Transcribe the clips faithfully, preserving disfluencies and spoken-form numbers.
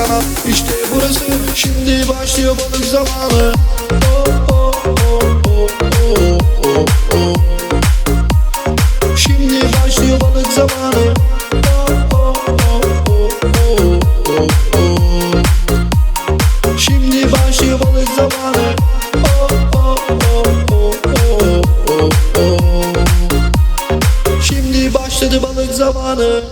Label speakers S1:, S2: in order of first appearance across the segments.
S1: sana. İşte burası, şimdi başlıyor balık zamanı. Oh, oh, oh, oh, oh, oh, oh. Şimdi başlıyor balık zamanı. Oh, oh, oh, oh, oh, oh, oh. Şimdi başlıyor balık zamanı. Oh, oh, oh, oh, oh, oh, oh. Şimdi başladı balık zamanı.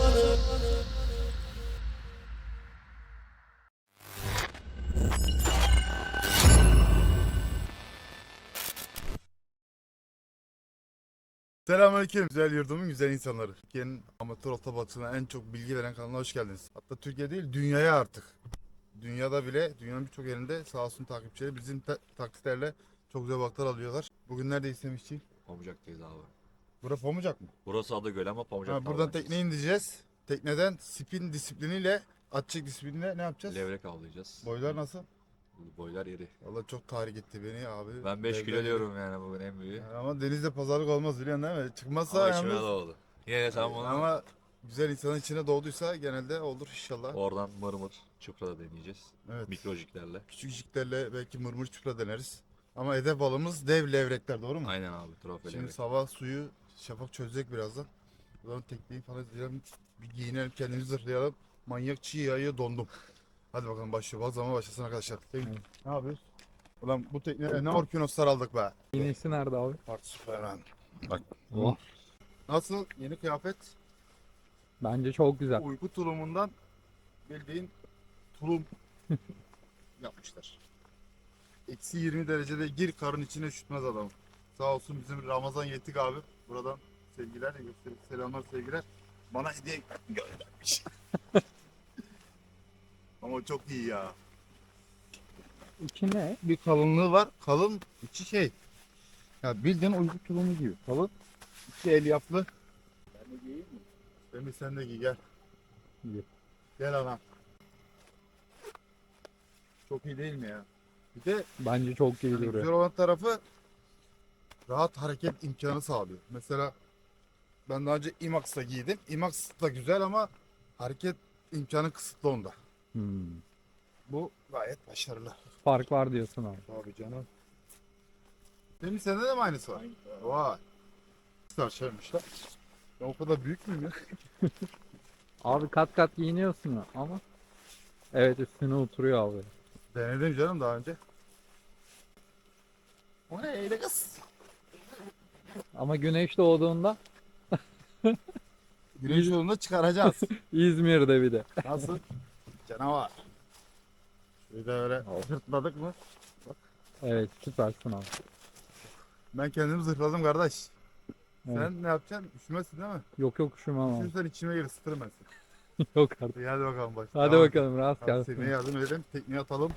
S2: Selamünaleyküm güzel yurdumun güzel insanları. Türkiye'nin amatör olta balıkçılığına en çok bilgi veren kanalına hoş geldiniz. Hatta Türkiye değil dünyaya artık. Dünyada bile dünyanın birçok yerinde sağ olsun takipçileri bizim ta- taksitlerle çok güzel balıklar alıyorlar. Bugün neredeyiz Semihciğim?
S3: Pamucak'tayız abi.
S2: Burası Pamucak mı?
S3: Burası Adıgöl ama Pamucak
S2: Ha, buradan tekneye ineceğiz. Tekneden spin disipliniyle, atçık disipliniyle ne yapacağız?
S3: levrek avlayacağız.
S2: Boylar nasıl?
S3: Boylar iri.
S2: Vallahi çok tahrik etti beni abi.
S3: Ben beş
S2: Levrek-
S3: kilo diyorum yani bugün en büyüğü.
S2: Yani ama denizde pazarlık olmaz biliyorsun değil mi? Çıkmazsa
S3: Ama içime
S2: yalnız.
S3: doğdu. Yine de sen bunu
S2: Ama güzel insanın içine doğduysa genelde olur inşallah.
S3: oradan mırmır çupra da deneyeceğiz.
S2: Evet.
S3: Mikrojiklerle.
S2: Küçük jiklerle belki mırmır çupra deneriz. Ama hedef balımız dev levrekler, doğru mu?
S3: Aynen abi trofe
S2: Şimdi
S3: levrek.
S2: sabah suyu Şafak çözecek birazdan. Buradan tekneyi falan izleyelim. Bir giyinelim, kendimizi zırhlayalım. Manyak çiğ yağıyor, dondum. Hadi bakalım başlıyor. Bazı zaman başlasın arkadaşlar. Evet. Ne yapıyoruz? Ulan bu tekneye ne orkinoslar aldık be.
S4: İğnesi nerede abi?
S2: Bak Süperman. Bak.
S4: Oh.
S2: Nasıl? Yeni kıyafet.
S4: Bence çok güzel.
S2: Uyku tulumundan bildiğin tulum yapmışlar. Eksi yirmi derecede gir karın içine üşütmez adam. Sağ olsun bizim Ramazan Yetik abi. Buradan sevgiler, selamlar sevgiler. Bana hediye göndermiş. Ama çok iyi ya.
S4: İçi ne?
S2: Bir kalınlığı var. Kalın içi şey. Ya bildiğin uyku tulumu gibi. Kalın. İçi elyaflı. Ben de giyeyim mi? Semih sen de giy gel.
S4: Giy.
S2: Gel ana. Çok iyi değil mi ya? Bir de
S4: Bence çok iyi
S2: yani
S4: duruyor.
S2: güzel olan tarafı rahat hareket imkanı sağlıyor. Mesela ben daha önce IMAX'ta giydim. IMAX da güzel ama hareket imkanı kısıtlı onda.
S4: Hmm.
S2: Bu gayet başarılı.
S4: Fark var diyorsun abi.
S2: Tabii canım. Benim sende de mi aynısı var? Vay. Sarşarmışlar. Ben o kadar büyük müyüm ya?
S4: Abi kat kat giyiniyorsun ya ama evet üstüne oturuyor abi.
S2: Denedim canım daha önce. O ne öyle kız?
S4: Ama güneş doğduğunda
S2: Güneş yolunda çıkaracağız.
S4: İzmir'de bir de.
S2: Nasıl? Canavar. Şöyle de öyle zırtladık mı?
S4: Evet süpersin abi.
S2: Ben kendimi zırhladım kardeş.
S4: Evet.
S2: Sen ne yapacaksın? Üşümezsin değil mi?
S4: Yok yok üşümem abi.
S2: Üşürsen içime gir, ısıtırım ben seni.
S4: Yok artık.
S2: İyi hadi bakalım başla.
S4: Hadi
S2: Tamam.
S4: bakalım rast
S2: Hadi tekneye
S4: gelsin.
S2: yardım edelim. Tekneye atalım.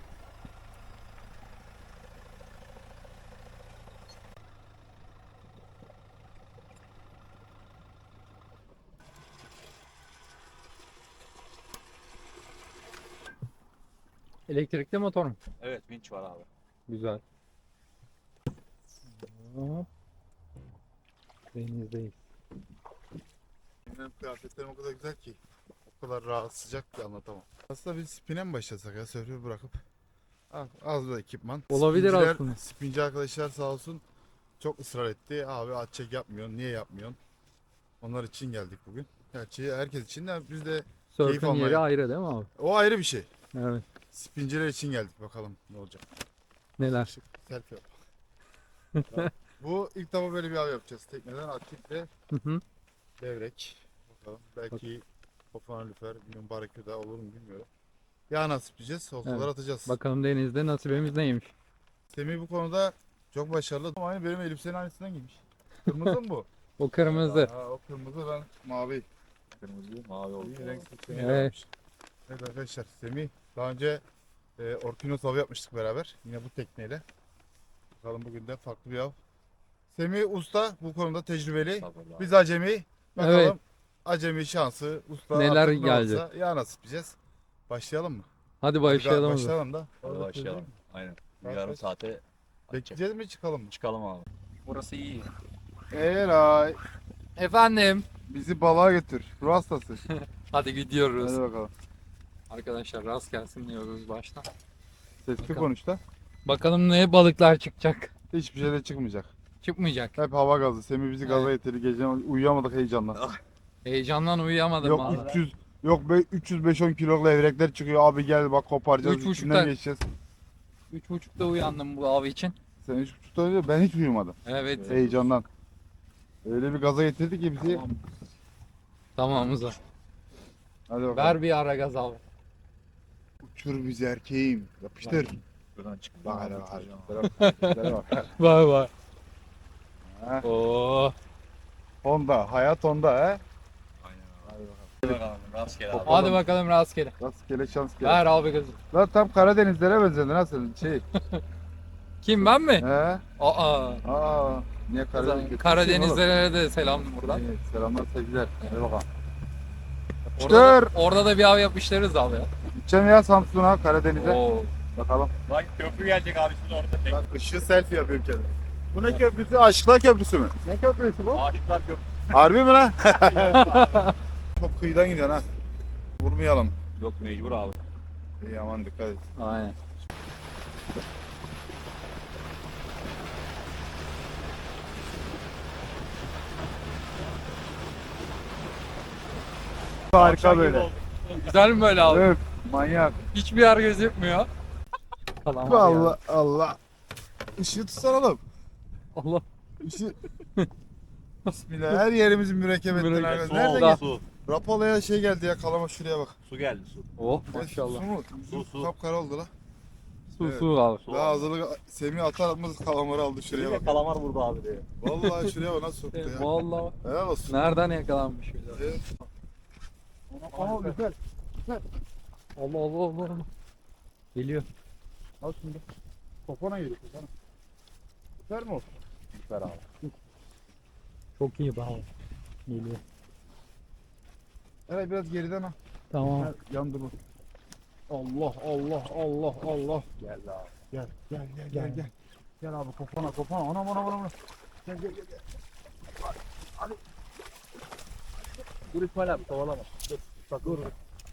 S4: Elektrikli motor mu?
S3: Evet vinç var abi.
S4: Güzel. Hop. Denizdeyiz.
S2: Benim kıyafetlerim o kadar güzel ki. O kadar rahat sıcak ki anlatamam. Aslında biz spine mi başlasak ya, sörfü bırakıp? Az, az bir ekipman.
S4: Olabilir
S2: Spinciler-
S4: aslında.
S2: Spinci arkadaşlar sağ olsun çok ısrar etti. Abi at çek yapmıyorsun, niye yapmıyorsun? Onlar için geldik bugün. Gerçi herkes için de biz de Keyif
S4: Sörfün
S2: almaya.
S4: yeri ayrı değil mi abi?
S2: o ayrı bir şey.
S4: Evet.
S2: Spinciler için geldik, bakalım ne olacak.
S4: Neler?
S2: Selfie yap. Tamam. Bu ilk defa böyle bir av yapacağız. Tekneden atçık ve
S4: Hı hı.
S2: levrek. Bakalım belki kofana lüfer, bilmiyorum baraküda olur mu bilmiyorum. Ya nasip diyeceğiz, oltalar
S4: Evet.
S2: atacağız.
S4: Bakalım denizde nasibimiz neymiş?
S2: Semih bu konuda çok başarılı. Ama aynı benim elbisenin aynısından giymiş. Kırmızı mı bu?
S4: O kırmızı.
S2: Aa, o kırmızı, ben mavi.
S3: Kırmızı mavi oldu.
S2: İyi renk seçimi
S4: Evet.
S2: yapmış. Evet arkadaşlar, Semih daha önce e, Orkinos avı yapmıştık beraber. Yine bu tekneyle. Bakalım bugün de farklı bir av. Semih usta, bu konuda tecrübeli.
S3: Sabırlı abi.
S2: Biz acemi. Bakalım
S4: Evet.
S2: acemi şansı, usta
S4: Neler
S2: artık ne
S4: gelecek?
S2: olursa ya nasip diyeceğiz. Başlayalım mı?
S4: Hadi başlayalım. o zaman.
S2: Başlayalım da.
S3: Hadi başlayalım. Aynen. Bir
S2: Saat
S3: yarım
S2: kaç?
S3: saate açacak.
S2: Bekleyeceğiz mi, çıkalım mı?
S3: Çıkalım abi. Burası iyi.
S2: Eray,
S4: Efendim.
S2: bizi balığa götür. Ruh hastası.
S4: Hadi gidiyoruz.
S2: Hadi bakalım.
S4: Arkadaşlar rast gelsin diyoruz baştan.
S2: Sesli
S4: Bakalım.
S2: konuş da.
S4: Bakalım ne balıklar çıkacak.
S2: Hiçbir şey de çıkmayacak.
S4: Çıkmayacak.
S2: Hep hava gazı. Semih bizi gaza
S4: Evet.
S2: getirdi. Gece uyuyamadık heyecandan.
S4: Heyecandan uyuyamadım
S2: Yok
S4: valla.
S2: üç yüz yok be üç yüz beş on kiloluk levrekler çıkıyor. Abi gel bak koparacağız.
S4: Üç
S2: içinden
S4: buçukta.
S2: geçeceğiz.
S4: Üç buçukta uyandım bu av için.
S2: Sen üç buçukta önce ben hiç uyumadım.
S4: Evet.
S2: Heyecandan. Öyle bir gaza getirdi ki bizi.
S4: Tamam. Tamamız var.
S2: Hadi bakalım.
S4: Ver bir ara gaz abi.
S2: Uçur bizi erkeğim. Yapıştır.
S3: Buradan çık.
S2: Bak hele bak. Şöyle bak.
S4: Vay vay.
S2: Ha,
S4: Oo.
S2: Honda. Hayat Honda he.
S3: Aynen abi.
S2: Hadi bakalım.
S3: Hadi bakalım. Rastgele abi.
S4: Hadi bakalım rastgele.
S2: Rastgele şans gele.
S4: Ver abi gazı.
S2: Lan tam Karadenizlere benzedin ha sen şey.
S4: Kim ben mi?
S2: He?
S4: Aa.
S2: Aa. Niye Karadeniz?
S4: Karadenizlere de selam buradan.
S2: Evet, selamlar sevgiler. Hadi bakalım.
S4: Orada da,
S2: Yapıştır.
S4: orada da bir av yapıştırırız abi ya.
S2: Gideceğim ya Samsun'a, Karadeniz'e.
S4: Oo.
S2: Bakalım.
S3: Bak köprü gelecek abi siz orada. Tek
S2: Bak ışığı selfie yapıyorum kendim. Bu ne köprüsü? Aşıklar Köprüsü mü? Ne köprüsü bu?
S3: Aşıklar köprü.
S2: Harbi mi lan? Çok kıyıdan gidiyorsun ha. Vurmayalım.
S3: Yok mecbur abi.
S2: İyi aman dikkat et.
S4: Aynen.
S2: Harika böyle.
S4: Güzel mi böyle abi?
S2: Öf, manyak.
S4: Hiçbir yer gözükmüyor. Kalamar ya.
S2: Allah Allah. Işığı tutsana oğlum.
S4: Allah.
S2: Işığı. Bismillah. Her yerimizin mürekkep ettin arkadaşlar.
S3: Su
S2: Nerede
S3: oldu,
S2: gel?
S3: su.
S2: Rapola'ya şey geldi ya kalama şuraya bak.
S3: Su geldi su.
S4: Oh
S2: Su
S4: maşallah.
S2: mu?
S3: Su, su.
S2: Kapkara oldu la.
S4: Su
S2: Evet.
S4: su abi.
S3: Su
S2: Daha
S3: aldı.
S2: hazırlık Semih atar atmaz kalamarı aldı şuraya
S3: Şuraya
S2: bak.
S3: kalamar vurdu abi diye.
S2: Vallahi şuraya bak nasıl soktu
S4: E,
S2: ya.
S4: vallahi.
S2: Helal olsun.
S4: Nereden yakalanmış öyle?
S2: Evet.
S4: Aa güzel. Allah Allah Allah. Allah. Geliyor.
S2: Al şimdi. Kopana geliyor kopana. Süper mi o?
S3: Süper abi.
S4: Çok iyi be abi. Geliyor.
S2: Eray biraz geriden al.
S4: Tamam.
S2: Gel, yan durma. Allah Allah Allah Allah. Gel abi. Gel gel gel gel
S4: Gel.
S2: gel. Gel abi kopana kopana. Anam anam anam. Gel gel gel. gel.
S3: Dur İsmail abi kovalama.
S2: Dur. Bak dur.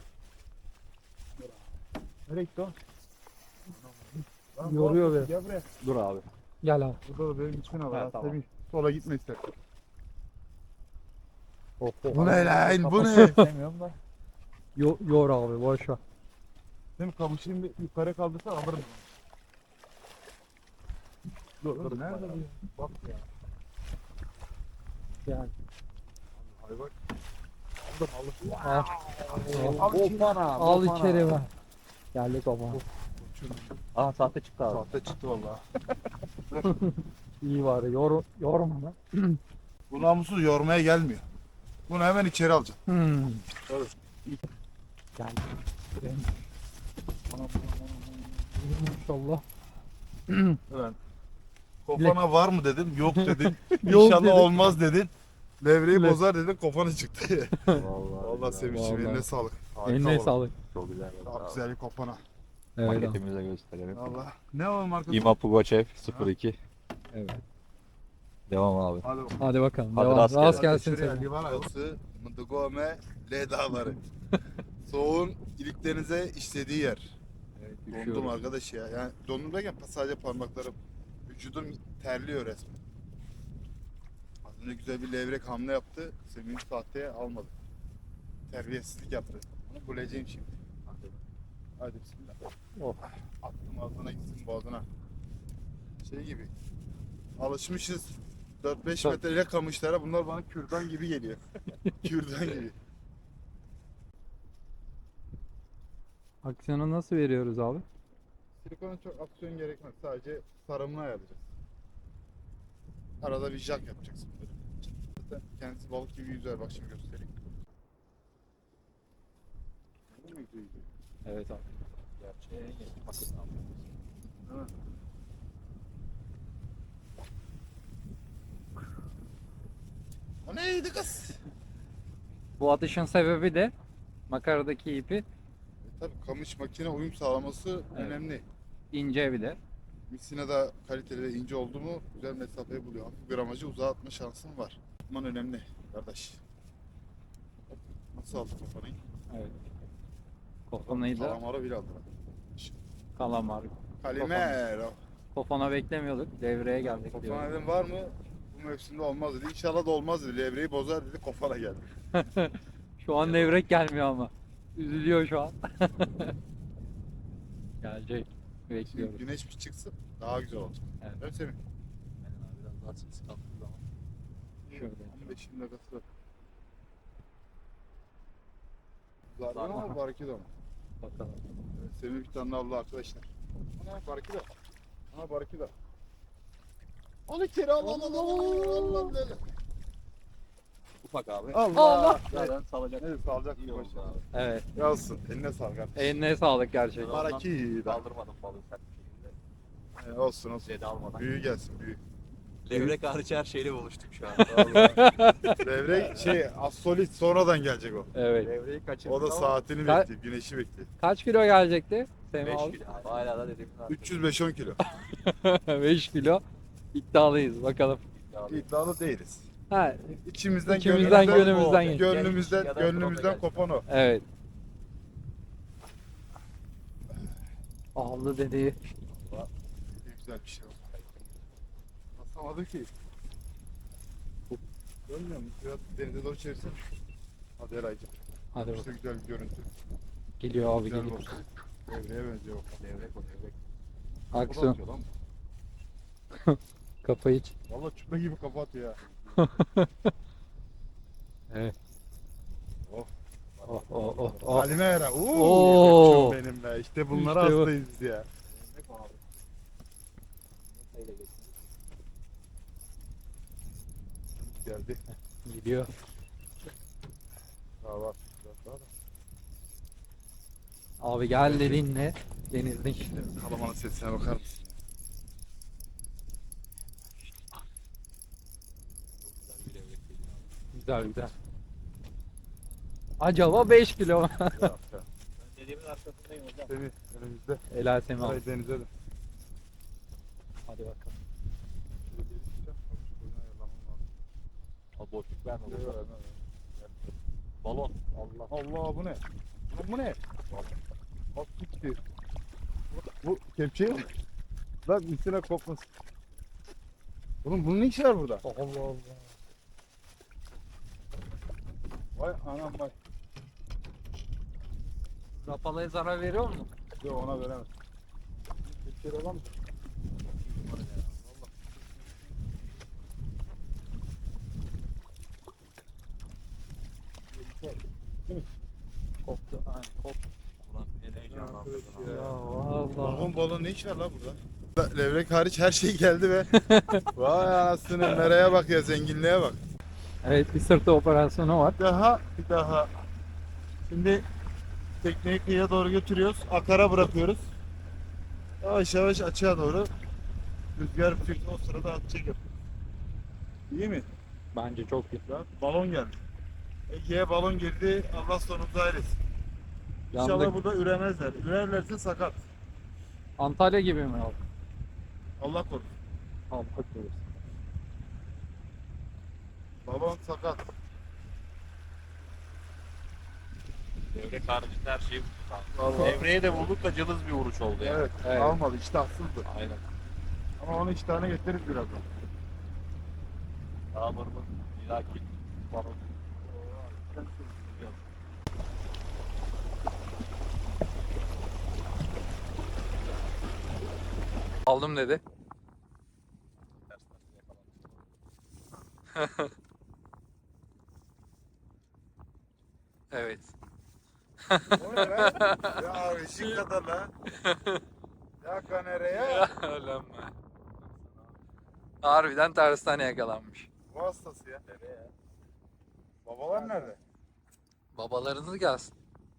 S2: Nereye gitti o? Lan,
S4: Yoruyor
S2: bak,
S4: beni.
S2: Gel buraya.
S3: Dur abi.
S4: Gel abi.
S2: Burada da benim gitmene var.
S3: Ha,
S2: ha,
S3: tamam.
S2: Semih, sola gitme ister.
S4: Oh, oh.
S2: Bu ne lan? Bu ne?
S3: Demiyorum da.
S4: Yo, yor abi boş ver.
S2: Değil mi? Kamışını bir yukarı kaldırsan alırım. Dur dur. Nerede bu? ya? Bak ya.
S4: Yani.
S2: Hayvan.
S4: Al,
S2: Al içeri.
S3: Kopana.
S4: al içeri ver. Geldik baba.
S3: Aa sahte çıktı abi.
S2: Sahte çıktı valla.
S4: İyi var. Yor, yorma lan.
S2: Bu namussuz yormaya gelmiyor. Bunu hemen içeri alacaksın.
S4: Hmm.
S2: Evet.
S4: Gel. Maşallah.
S2: Evet. Kofana var mı dedim. Yok dedin.
S4: Yok
S2: İnşallah
S4: dedim.
S2: olmaz dedin. Levreyi
S4: Le-
S2: bozar dedin. Kofana çıktı.
S3: Vallahi.
S2: Vallahi Semih'ciğim
S4: Vallahi.
S2: eline sağlık. Harika
S4: Eline
S2: oldu.
S4: sağlık.
S3: Çok güzel.
S2: Çok güzel bir kopana.
S4: Evet abi.
S3: Paketimize gösterelim.
S2: Valla. Ne o markası?
S3: İma Pugachev sıfır iki.
S4: Evet.
S3: Devam abi.
S2: Hadi bakalım.
S4: Hadi bakalım.
S3: Hadi
S4: Devam.
S3: rast
S4: Rast,
S3: gelsin.
S4: gelsin
S2: Şuraya
S4: senin.
S2: liman arası Mıdıgome L dağları. Soğuğun iliklerinize işlediği yer. Dondum
S4: Üşüyoruz.
S2: arkadaş ya. Yani dondum derken sadece parmaklarım. Vücudum terliyor resmen. Az önce güzel bir levrek hamle yaptı. Semih'in sahteye almadı. Terbiyesizlik yaptı. Onu bulacağım şimdi. Hadi, Hadi bismillah.
S4: Oh.
S2: Attım ağzına gitsin boğazına. Şey gibi. Alışmışız. dört beş
S4: Tabii.
S2: metreyle kamışlara bunlar bana kürdan gibi geliyor. Kürdan gibi.
S4: Aksiyonu nasıl veriyoruz abi?
S2: Silikona çok aksiyon gerekmez. Sadece sarımını ayarlayacağız. Arada bir jack yapacaksın böyle. Zaten kendisi balık gibi yüzer. Bak şimdi göstereyim.
S4: Evet abi.
S2: O neydi kız?
S4: Bu atışın sebebi de makaradaki ipi
S2: E, tabii kamış makine uyum sağlaması
S4: Evet.
S2: önemli.
S4: ince bir de.
S2: Misina'da kaliteli ve ince oldu mu güzel mesafeyi buluyor. Hafif gramajı uzağa atma şansın var. Atman önemli kardeş. Nasıl aldın kafanı?
S4: Evet. Kofonayı da
S2: Kalamara bile aldılar.
S4: kalamar.
S2: Kalimero.
S4: Kofana beklemiyorduk. Devreye geldik
S2: Kofana
S4: diyor.
S2: dedim var mı? Bu mevsimde olmaz dedi. İnşallah da olmaz dedi. Levreyi bozar dedi. Kofana geldi.
S4: Şu an levrek gelmiyor ama. Üzülüyor şu an. Gelecek.
S2: Şimdi
S4: Bekliyoruz.
S2: güneş bir çıksın. Daha güzel olacak.
S4: Evet.
S2: Evet Semih.
S3: Biraz daha ses kalktığı zaman.
S4: Şöyle.
S2: on beş yirmi dakikası var. Zarba mı? Barkido mu?
S4: Bakalım.
S2: Evet, Semih bir tane avlu arkadaşlar. Ana Barkido. Ana Barkido. Al içeri al al al al al al al.
S3: Ufak abi.
S2: Allah.
S3: Zaten salacak.
S2: Evet salacak
S3: İyi
S2: bir
S3: oldu
S2: başına.
S3: abi.
S4: Evet.
S2: Yazsın. Eline sağlık kardeşim.
S4: Eline sağlık gerçekten.
S2: Barkido.
S3: Kaldırmadım balığı sert bir şekilde.
S2: Ee, olsun olsun.
S3: Zede almadan.
S2: Büyü gelsin büyü.
S3: Levrek hariç her şeyle buluştuk şu an.
S2: Vallahi. Levrek şey astolit sonradan gelecek o.
S4: Evet.
S3: Levreyi kaçırdık
S2: O da
S3: ama
S2: saatini
S4: Ka-
S2: bekliyor, güneşi bekliyor.
S4: Kaç kilo gelecekti? Semih
S3: beş
S4: abi.
S3: kilo abi. Hala da dediğim gibi.
S2: üç yüz beş on kilo.
S4: beş kilo. İddialıyız bakalım.
S2: İddialı değiliz.
S4: Ha,
S2: İçimizden,
S4: İçimizden,
S2: gönlümüzden,
S4: gönlümüzden geç.
S2: gönlümüzden,
S3: Ya da
S2: gönlümüzden
S3: profesyonel.
S2: kopan o.
S4: evet. Aldı dedi.
S2: Ne güzel bir şey oldu. Basamadı ki. Görmüyor musun? Biraz denize doğru çevirsin. Hadi Eray'cığım.
S4: Hadi
S2: İşte
S4: bakalım.
S2: güzel bir görüntü.
S4: Geliyor abi
S2: Güzel
S4: geliyor.
S2: olsun. Devreye benziyor bak.
S3: Levrek o levrek.
S2: O da
S4: Aksiyon.
S2: atıyor lan.
S4: Kafayı ç-
S2: Valla çupa gibi kafa atıyor ya.
S4: Evet.
S2: Oh.
S4: Oh oh oh. oh.
S2: Halime Era.
S4: Oo.
S2: Oo. Benim be. İşte bunlara
S4: İşte bu.
S2: hastayız biz ya.
S3: Levrek o abi. Neyle geçti?
S2: Geldi.
S4: Gidiyor.
S2: Daha var. Biraz daha da.
S4: Abi gel dediğinle denizde işte.
S2: Kalamanın sesine bakar mısın?
S3: Çok güzel bir levrek geliyor abi.
S4: Güzel güzel. Acaba beş kilo mu?
S2: Ya, ya.
S3: Ben dediğimin arkasındayım hocam.
S2: Semih önümüzde.
S4: Helal Semih abi.
S2: Burayı denize de.
S4: Hadi bakalım.
S2: Şöyle bir gideceğim. Şöyle ayarlamam lazım.
S3: Abi boşluk verme.
S2: Yok,
S3: boşluk.
S2: vermem, vermem.
S3: Balon. Allah.
S2: Allah bu ne? Bu, bu ne? Bak gitti. Bu kepçeyi mi? Bak üstüne kopmasın. Oğlum bunun ne işi var burada?
S4: Allah Allah.
S2: Vay anam vay.
S4: Rapalaya zarar veriyor mu?
S2: Yok ona veremez. Kepçeyi alalım mı?
S4: Koptu. Aynen koptu.
S3: Ulan en heyecanlandırdım abi.
S4: Ya Allah.
S2: Balon balon ne iş var la burada? Levrek hariç her şey geldi be. Vay anasını nereye bak ya zenginliğe bak.
S4: Evet bir sırtı operasyonu var.
S2: Bir daha bir daha. Şimdi tekneyi kıyıya doğru götürüyoruz. Akara bırakıyoruz. Yavaş yavaş açığa doğru. Rüzgar bir o sırada atacak yapıyor. İyi mi?
S4: Bence çok iyi.
S2: Ya, balon geldi. Ege'ye balon girdi. Allah sonumuzu hayretsin. İnşallah
S4: Yandık.
S2: burada üremezler. Ürerlerse sakat.
S4: Antalya gibi mi abi?
S2: Allah korusun.
S4: Allah korusun.
S2: Balon sakat.
S3: Levrek haricinde her şeyi bulduk abi.
S2: Vallahi.
S3: Levreye de bulduk da cılız bir vuruş oldu yani.
S2: Evet,
S4: Evet.
S2: almadı. İştahsızdı.
S3: Aynen.
S2: Ama onu iki tane getiririz birazdan.
S3: Dağlarımın ilaki balon.
S4: Aldım dedi. Evet.
S2: O ne lan? Ya ışık kadar lan. Ya kanereye.
S4: Lan be. Harbiden tersten yakalanmış.
S2: Bu hastası ya. Babalar nerede?
S4: Babalarınız gelsin.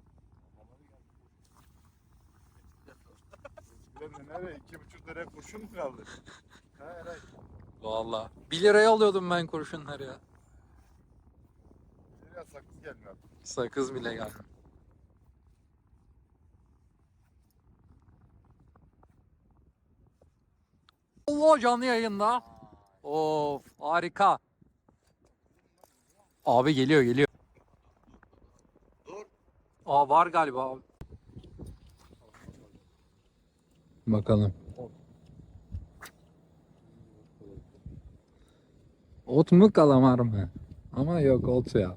S2: Bilmem ne nerede? İki buçuk liraya kurşun mu kaldı? Ha Eray.
S4: Vallahi. bir liraya alıyordum ben kurşunları ya.
S2: Bir liraya sakız gelmiyor.
S4: Sakız bile gelmiyor. Allah canlı yayında. Of harika. Abi geliyor geliyor.
S3: Dur.
S4: Aa var galiba abi. Bakalım. Ot mu kalamar mı? Ama yok ot ya.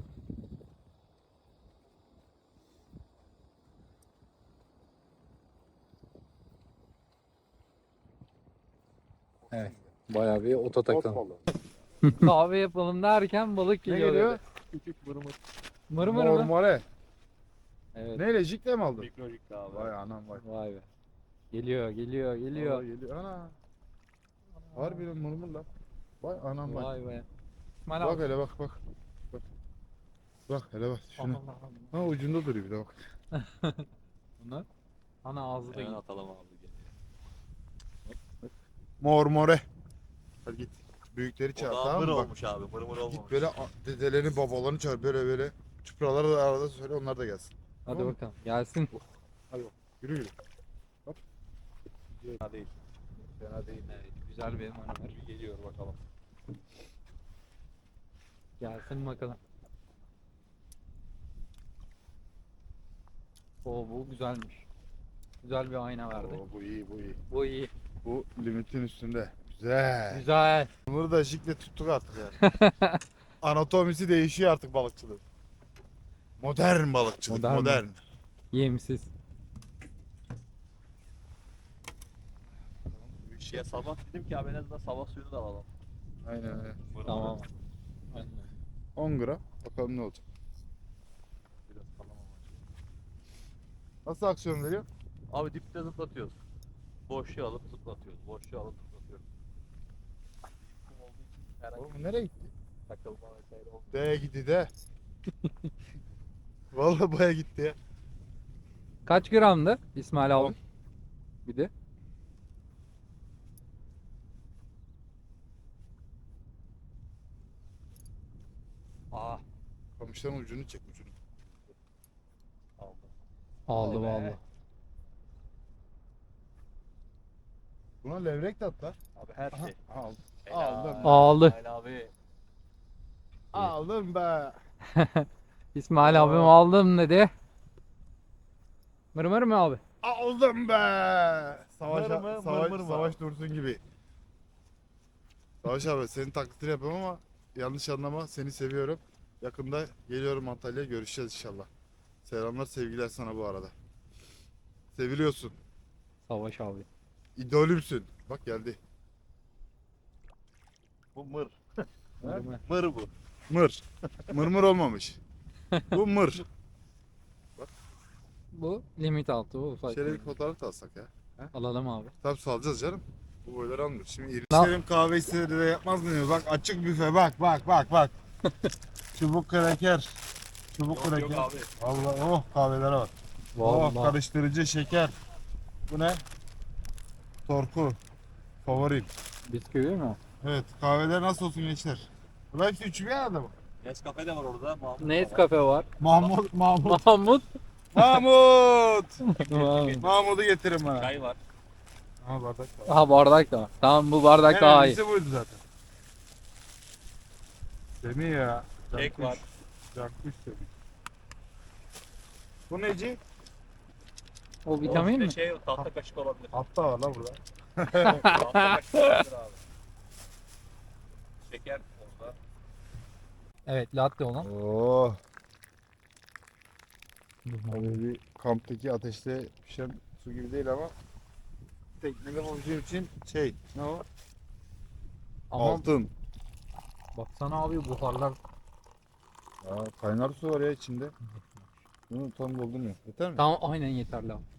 S4: Evet. Bayağı bir ota takalım. Kahve yapalım derken balık
S2: Ne
S4: geliyor.
S2: geliyor?
S4: dedi.
S3: Küçük mırmır.
S4: Mır mır mı?
S2: Mormore.
S4: Evet.
S2: Neyle jikle mi aldın?
S3: Mikrojik abi.
S2: Vay anam vay.
S4: Vay be. Geliyor, geliyor, geliyor.
S2: Vallahi geliyor. Ana. Harbiden mırmır lan. Vay anam vay.
S4: Vay be. İsmail
S2: Bak
S4: abi.
S2: hele bak bak. Bak. Bak hele bak şuna.
S4: Allah Allah.
S2: Ha ucunda duruyor bir de bak.
S4: Bunlar. Ana ağzı da
S3: Hemen
S4: gitti.
S3: atalım abi.
S2: Mormore. Hadi git. Büyükleri
S3: O
S2: çağır
S3: da
S2: tamam
S3: mır
S2: mı? Bak.
S3: olmuş abi. Mır mır olmamış.
S2: Git böyle a- dedelerini babalarını çağır böyle böyle. Çupraları da arada söyle onlar da gelsin.
S4: Hadi
S2: Tamam.
S4: bakalım. Gelsin.
S2: Yürü yürü.
S3: Fena değil.
S2: Fena değil.
S4: Evet, güzel bir manevra.
S3: Bir geliyor bakalım.
S4: Gelsin bakalım. Oo bu güzelmiş. Güzel bir ayna verdi.
S2: Oo, bu iyi bu iyi.
S4: Bu iyi.
S2: Bu limitin üstünde. Güzel.
S4: Güzel.
S2: Bunu da jikle tuttuk artık yani. Anatomisi değişiyor artık balıkçılık. Modern balıkçılık,
S4: Modern
S2: modern.
S4: mi? Yemsiz.
S3: Bir şeye sabah dedim ki abi en azından sabah suyunu da alalım.
S2: Aynen öyle.
S3: Mır
S4: Tamam.
S3: mır.
S2: on gram. Bakalım ne olacak.
S3: Biraz kalan ama.
S2: Nasıl aksiyon veriyor?
S3: Abi dipte zıplatıyoruz. Boşluğu alıp zıplatıyoruz. Boşluğu alıp zıplatıyoruz. Kum olduğu için herhangi
S2: Oğlum bu nereye gitti?
S3: bir takılma vesaire olmuyor.
S2: De gitti de. Vallahi baya gitti ya.
S4: Kaç gramdı İsmail abi?
S2: On.
S4: Bir de.
S3: Ah
S2: Kamışların ucunu çek ucunu.
S3: aldım.
S4: Aldı
S3: Vay be.
S4: vallahi.
S2: Buna levrek de at lan.
S3: Abi her
S2: Aha,
S3: şey.
S2: aldım.
S3: Helal.
S2: Aldım.
S4: Aldı.
S3: Helal abi.
S2: Aldım be.
S4: İsmail
S2: Aa.
S4: abim aldım dedi. Mır mır mı abi?
S2: Aldım be. Savaş,
S3: Mır mı,
S2: savaş,
S3: mır mır mı
S2: savaş dursun gibi. Savaş abi senin taklitini yapıyorum ama yanlış anlama seni seviyorum. Yakında geliyorum Antalya'ya görüşeceğiz inşallah. Selamlar sevgiler sana bu arada. Seviliyorsun.
S4: Savaş abi.
S2: İdolümsün. Bak geldi.
S3: Bu mır.
S4: Mır mı?
S3: Mır bu.
S2: Mır. Mırmır olmamış. Bu mır.
S4: Bu limit altı bu ufak.
S2: Şöyle bir fotoğraf da alsak ya.
S4: Alalım abi.
S2: Tabii salacağız canım. Bu boyları almıyoruz. Şimdi
S4: Ne-
S2: İrişlerim kahvesi de yapmaz mı diyor. Bak açık büfe bak bak bak bak. Çubuk kraker. Çubuk
S3: Yok
S2: kraker.
S3: yok abi.
S2: Vallahi oh kahvelere bak. Oh
S4: Vallahi.
S2: karıştırıcı şeker. Bu ne? Torku. Favorim.
S4: Bisküvi mi?
S2: Evet kahveler nasıl olsun gençler? Bunlar hepsi üçü bir arada mı?
S3: Nescafe de var orada. Mahmut da var.
S4: Nescafe var.
S2: Mahmut, Mahmut.
S4: Mahmut.
S2: Mahmut!
S4: Mahmut.
S2: Mahmut'u getirin bana.
S3: Çay var.
S2: Ha bardak var.
S4: Aha bardak da var. Tamam bu bardak
S2: En
S4: daha iyi.
S2: önemlisi buydu zaten. Semih ya.
S3: Kek var.
S2: Cankuş Semih. Bu neci?
S4: O vitamin
S3: Bir
S4: mi?
S3: de şey tahta kaşık olabilir.
S2: Hatta var la burada.
S3: Tahta kaşık olabilir abi. Şeker orada.
S4: Evet latte olan.
S2: Oo. Abi bir kamptaki ateşte pişen su gibi değil ama teknede olduğu için şey ne o?
S4: Ama
S2: Altın.
S4: baksana abi buharlar.
S2: Aa, kaynar su var ya içinde. Bunu tam doldurmuyor. Yeter mi?
S4: Tamam aynen yeterli abi.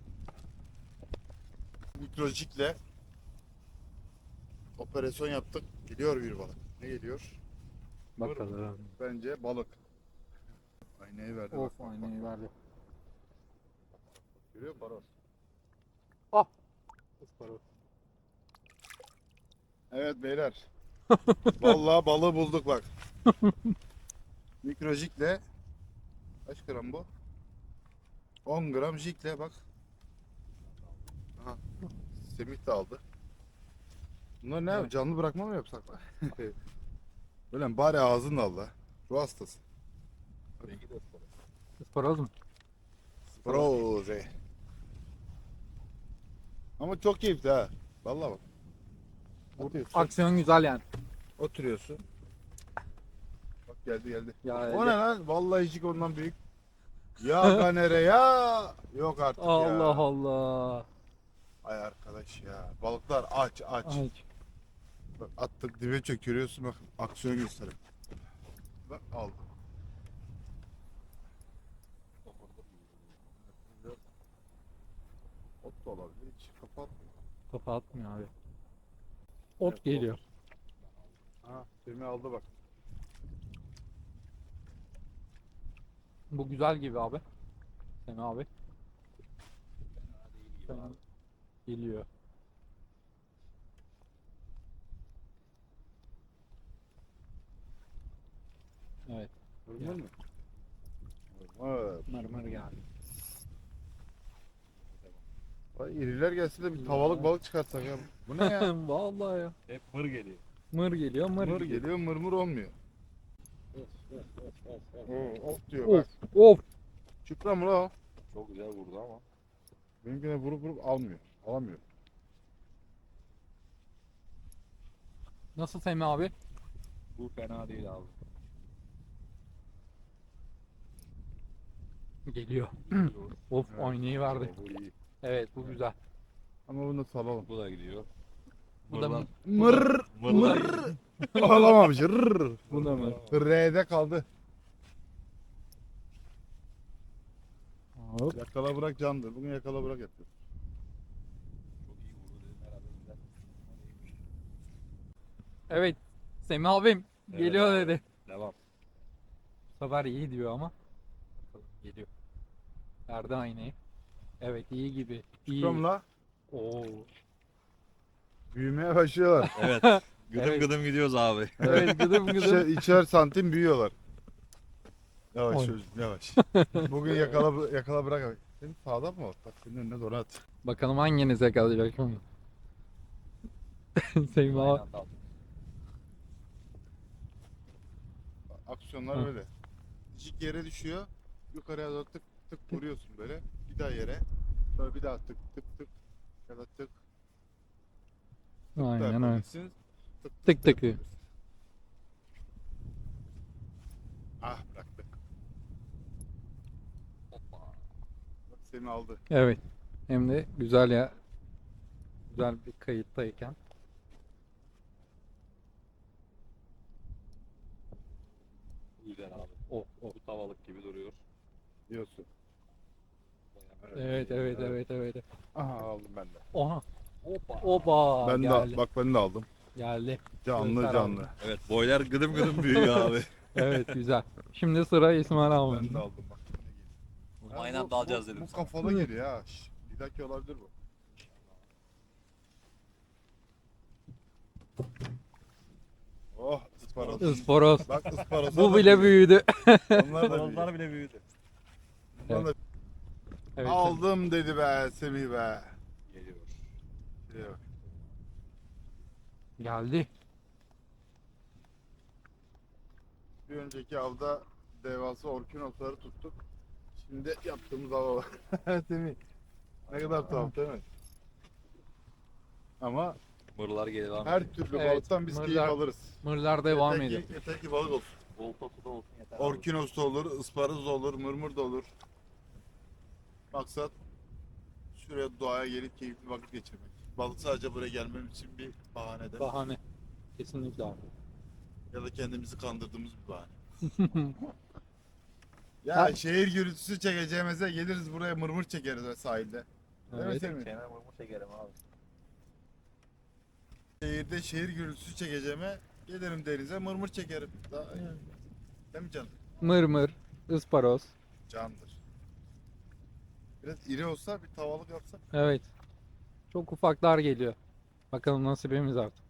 S2: Mikrojikle operasyon yaptık. Geliyor bir balık. Ne geliyor?
S4: Bakalım.
S2: Bence balık. Aynayı verdi.
S4: Of
S2: bak, bak,
S4: aynayı
S2: bak.
S4: verdi.
S2: Görüyor musun Baros?
S4: Ah.
S2: Evet beyler. Vallahi balığı bulduk bak. Mikrojikle kaç gram bu? on gram jikle bak. Aha. Semih de aldı. Bunlar ne yap? Canlı bırakma mı yapsak? Böyle mi? Bari ağzını da al la. Ruh hastası.
S3: Rengi de ıspanak.
S4: Isparoz mu?
S2: Proze. Ama çok keyifli ha. Vallahi bak. Atıyorsun.
S4: Aksiyon güzel yani.
S2: Oturuyorsun. Bak geldi geldi.
S4: Ya,
S2: O ne lan? Vallahi hiç ondan büyük. Ya ganere ya. Yok artık ya.
S4: Allah Allah.
S2: Ay arkadaş ya. Balıklar aç aç.
S4: Ay.
S2: Bak attık dibe çök görüyorsun bak. Aksiyon gösterin. Bak aldım. Ot da olabilir. Hiç kapat.
S4: Kafa atmıyor abi. Ot
S2: Evet,
S4: geliyor.
S2: Ha, Semih aldı bak.
S4: Bu güzel gibi abi. Sen abi. Fena geliyor. Evet.
S2: Görünür mü? Evet.
S4: Mırmır geldi.
S2: Vay, iriler gelse de bir tavalık balık çıkartsak ya. Bu ne ya?
S4: Vallahi ya.
S3: Hep mır geliyor.
S4: Mır geliyor, mır,
S2: Mır
S4: geliyor.
S2: geliyor mırmır olmuyor. Oo, of diyor
S4: Of,
S2: bak.
S4: of.
S2: Çıpra mı la o?
S3: Çok güzel vurdu ama.
S2: Benimkine vurup vurup almıyor. Alamıyor.
S4: Nasıl Semih abi?
S3: Bu fena değil abi.
S4: Geliyor. Of,
S2: Evet.
S4: oynayı verdi.
S3: Bu iyi.
S4: Evet, bu güzel.
S2: Ama bunu da salalım.
S3: Bu da gidiyor.
S4: Bu da
S3: Mırlan-
S2: Mır
S3: Mırlar
S2: mır. Alamamış. Rrr.
S4: Bu da mı?
S2: R'de kaldı.
S4: Hop.
S2: Yakala bırak candır. Bugün yakala bırak yapıyor.
S3: Çok iyi vurdu dedim herhalde güzel.
S4: Evet. Semih abim
S3: Evet
S4: geliyor
S3: abi.
S4: dedi.
S3: Devam.
S4: Bu sefer iyi diyor ama. Bakalım, geliyor. Verdi aynayı. Evet, iyi gibi. İyi.
S2: Çıpra mı la?
S4: Oo.
S2: Büyümeye başlıyorlar.
S3: Evet. Gıdım
S4: Evet.
S3: gıdım gidiyoruz abi.
S4: Evet, gıdım gıdım.
S2: İçer, içer santim büyüyorlar. Yavaş
S4: Oy.
S2: çocuğum yavaş. Bugün yakala yakala bırak. Senin sağda mı var? Bak senin önüne doğru at.
S4: Bakalım hanginiz yakalayacak onu. Semih
S3: Aynı
S4: abi.
S3: anda aldık.
S2: Aksiyonlar
S4: Hı.
S2: böyle. Dişik yere düşüyor. Yukarıya doğru tık tık vuruyorsun böyle. Bir daha yere. Sonra bir daha tık tık tık. Ya da tık tık da
S4: Aynen öyle.
S2: yapabilirsin. Tık
S4: Tık
S2: da
S4: tıkı.
S2: yapabilirsin. Ah bıraktık.
S3: Hoppa.
S2: Bak seni aldı.
S4: Evet. Hem de güzel ya. Güzel bir kayıttayken.
S3: Güzel abi.
S4: Oh, oh.
S3: Bu tavalık gibi duruyor.
S2: Diyorsun.
S3: Bayağı-
S4: Evet, evet, evet, evet.
S2: Aha aldım ben de.
S4: Oha.
S3: Hoppa.
S4: Oba.
S2: Ben
S4: geldi.
S2: de bak ben de aldım.
S4: Geldi.
S2: Canlı
S4: Göster
S2: canlı.
S4: abi.
S3: Evet boylar gıdım gıdım büyüyor abi.
S4: Evet, güzel. Şimdi sıra İsmail
S2: Ben
S4: abi.
S2: de aldım bak. Ha,
S3: Aynı
S2: bu-
S3: anda alacağız
S2: bu,
S3: dedim
S2: Bu
S3: sana.
S2: kafalı geliyor ha. Şş, bir dakika olabilir bu. Oh ısparoz.
S4: Isparoz.
S2: Bak ısparoz.
S4: Bu bile büyüdü.
S2: Onlar da büyüyor.
S3: Balonlar bile büyüdü.
S2: Onlar da-
S4: Evet.
S2: Aldım dedi be Semih be.
S3: Geliyor.
S2: Şuraya bak.
S4: Geldi.
S2: Bir önceki avda devasa orkinosları tuttuk. Şimdi yaptığımız ava bak. Semih. Ne kadar tuhaf değil mi? Ama
S3: Mırlar geliyor abi.
S2: her türlü
S4: Evet,
S2: balıktan biz keyif
S4: mırlar-
S2: alırız.
S4: Mırlar devam
S2: Yeter
S4: ediyor.
S2: ki, yeter ki balık olsun.
S3: Voltası da olsun yeter. abi.
S2: Orkinos da olur, ısparoz da olur, mırmır da olur. Maksat şuraya doğaya gelip keyifli vakit geçirmek. Balık sadece buraya gelmem için bir bahane de
S4: Bahane. Kesinlikle abi.
S2: ya da kendimizi kandırdığımız bir bahane. Ya
S4: Ha-
S2: şehir gürültüsü çekeceğimize geliriz buraya mırmır çekeriz ve sahilde. Değil mi
S4: Evet.
S2: Semih?
S3: Kenar mırmır çekerim abi.
S2: Şehirde şehir gürültüsü çekeceğime gelirim denize mırmır çekerim. Daha, değil mi canım?
S4: Mırmır, ısparoz.
S2: Candır. Biraz iri olsa bir tavalık yapsak.
S4: Evet. Çok ufaklar geliyor. Bakalım nasibimiz artık.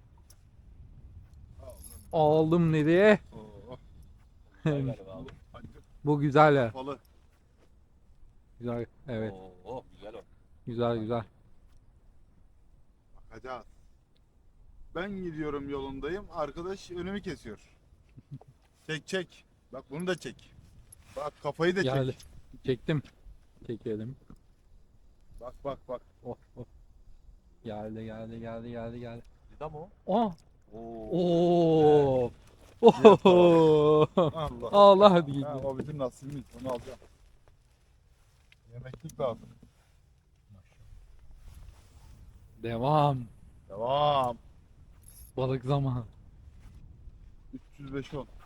S4: Aldım dedi.
S2: Oo,
S3: Güzel galiba abi.
S2: hadi
S4: Bu güzel ya.
S2: kafalı.
S4: Güzel. Evet.
S3: Oo, oh, güzel o.
S4: Güzel güzel.
S2: Bakacağız. Ben gidiyorum yolundayım. Arkadaş önümü kesiyor. Çek çek. Bak bunu da çek. Bak kafayı da
S4: Geldi.
S2: çek.
S4: Çektim. Çekelim.
S2: Bak bak bak.
S4: Oh, oh. Geldi geldi geldi geldi geldi.
S3: Lida mı o?
S4: Oh.
S3: Oo.
S4: Oo. Oho.
S2: Allah.
S4: Allah hadi
S2: Ha,
S4: gidiyor.
S2: o bizim nasibimiz. Onu alacağım. Yemeklik lazım.
S4: Devam.
S2: Devam.
S4: Balık zamanı.
S2: üç yüz beş on.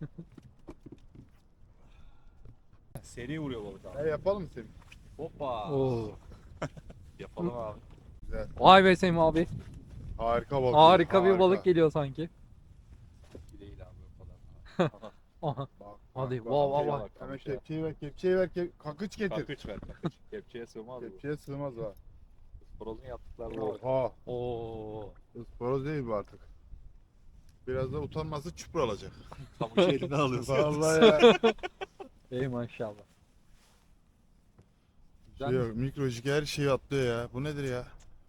S3: Seri vuruyor balık abi.
S2: Ne yapalım mı Semih?
S3: Hoppa.
S4: Oo.
S3: Yapalım abi.
S2: Güzel.
S4: Vay be Semih abi.
S2: Harika balık.
S4: Harika bir balık geliyor sanki.
S3: Değil abi o kadar.
S4: Aha.
S2: Bak,
S4: Hadi
S2: bak,
S4: vav
S2: bak.
S4: vav vav.
S2: Hemen kepçeyi ver, kepçeyi ver, kep kakıç getir.
S3: Kakıç ver kakıç. Kepçeye sığmaz bu.
S2: Kepçeye sığmaz ha.
S3: Sporozun yaptıklarına bak.
S2: Oha.
S4: Oo.
S2: Ispanoz değil bu artık. Biraz da utanması çupra alacak.
S3: Kamışı eline alıyorsun.
S2: Vallahi ya.
S4: Ey maşallah.
S2: Şey yok, mikrojik her şeyi atlıyor ya. Bu nedir ya?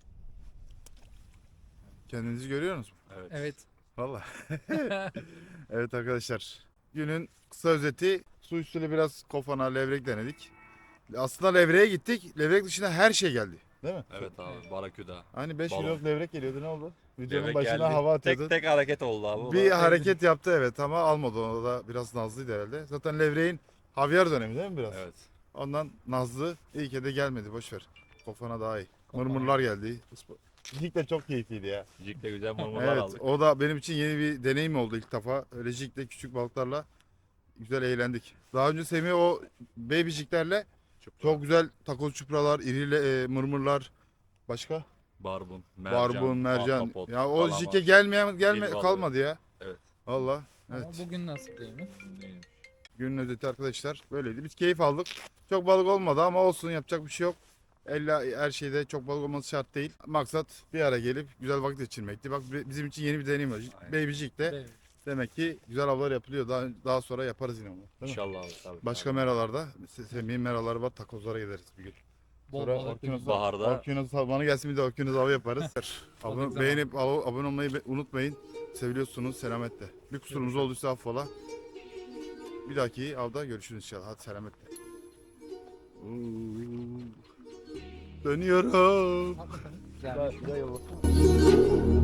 S2: Kendinizi görüyor musunuz?
S3: Evet.
S4: Evet.
S2: Vallahi. Evet arkadaşlar. Günün kısa özeti. Su üstüne biraz kofana, levrek denedik. Aslında levreğe gittik. Levrek dışında her şey geldi. Değil mi?
S3: Evet abi baraküda.
S2: Hani beş
S3: Balon.
S2: kiloluk levrek geliyordu, ne oldu? Videonun
S3: Levrek
S2: başına
S3: geldi.
S2: hava atıyordun.
S3: Tek tek hareket oldu abi. O
S2: Bir
S3: da-
S2: hareket yaptı evet ama almadı, onu da biraz nazlıydı herhalde. Zaten levreğin havyar dönemi değil mi biraz?
S3: Evet.
S2: Ondan nazlı, iyi ki de gelmedi, boş ver. Kofana daha iyi.
S4: Kofana.
S2: Mırmırlar geldi. Jig de çok keyifliydi ya.
S3: Jig'le güzel mırmırlar
S2: Evet,
S3: aldık.
S2: o da benim için yeni bir deneyim oldu ilk defa. Öyle jig'le küçük balıklarla güzel eğlendik. Daha önce Semih o baby jig'lerle çok güzel takoz çupralar, iri e, mırmırlar, başka
S3: Barbun, mercan,
S2: barbun, mercan.
S3: ahtapot,
S2: Ya o
S3: kalamar.
S2: jig'e gelmeyen gelme
S3: Dil balığı.
S2: kalmadı ya.
S3: Evet.
S2: Valla.
S4: Ama
S2: Evet.
S4: bugün nasıl değil mi?
S3: Neymiş?
S2: Günün özeti arkadaşlar böyleydi. Biz keyif aldık. Çok balık olmadı ama olsun, yapacak bir şey yok. Elle her şeyde çok balık olması şart değil. Maksat bir ara gelip güzel vakit geçirmekti. Bak bizim için yeni bir deneyim var.
S3: Aynen.
S2: Baby Jig'de
S4: Evet.
S2: demek ki güzel avlar yapılıyor. Daha, daha sonra yaparız yine onu. Değil mi?
S3: İnşallah abi tabii.
S2: Başka
S3: Tabii.
S2: meralarda, Se- Semih'in meraları var, takozlara gideriz bir gün.
S4: Bol
S2: Sonra
S4: balık.
S2: Orkinos,
S3: Baharda.
S2: Orkinos bana gelsin, bir de Orkinos avı yaparız. Abone,
S4: zamanı.
S2: beğenip ab- abone olmayı be- unutmayın. Seviliyorsunuz, selametle. Bir kusurumuz olduysa affola. Bir dahaki avda görüşürüz inşallah. Hadi selametle. Uuu. Dönüyorum.
S4: Hakikaten güzel.
S2: Güzel yol.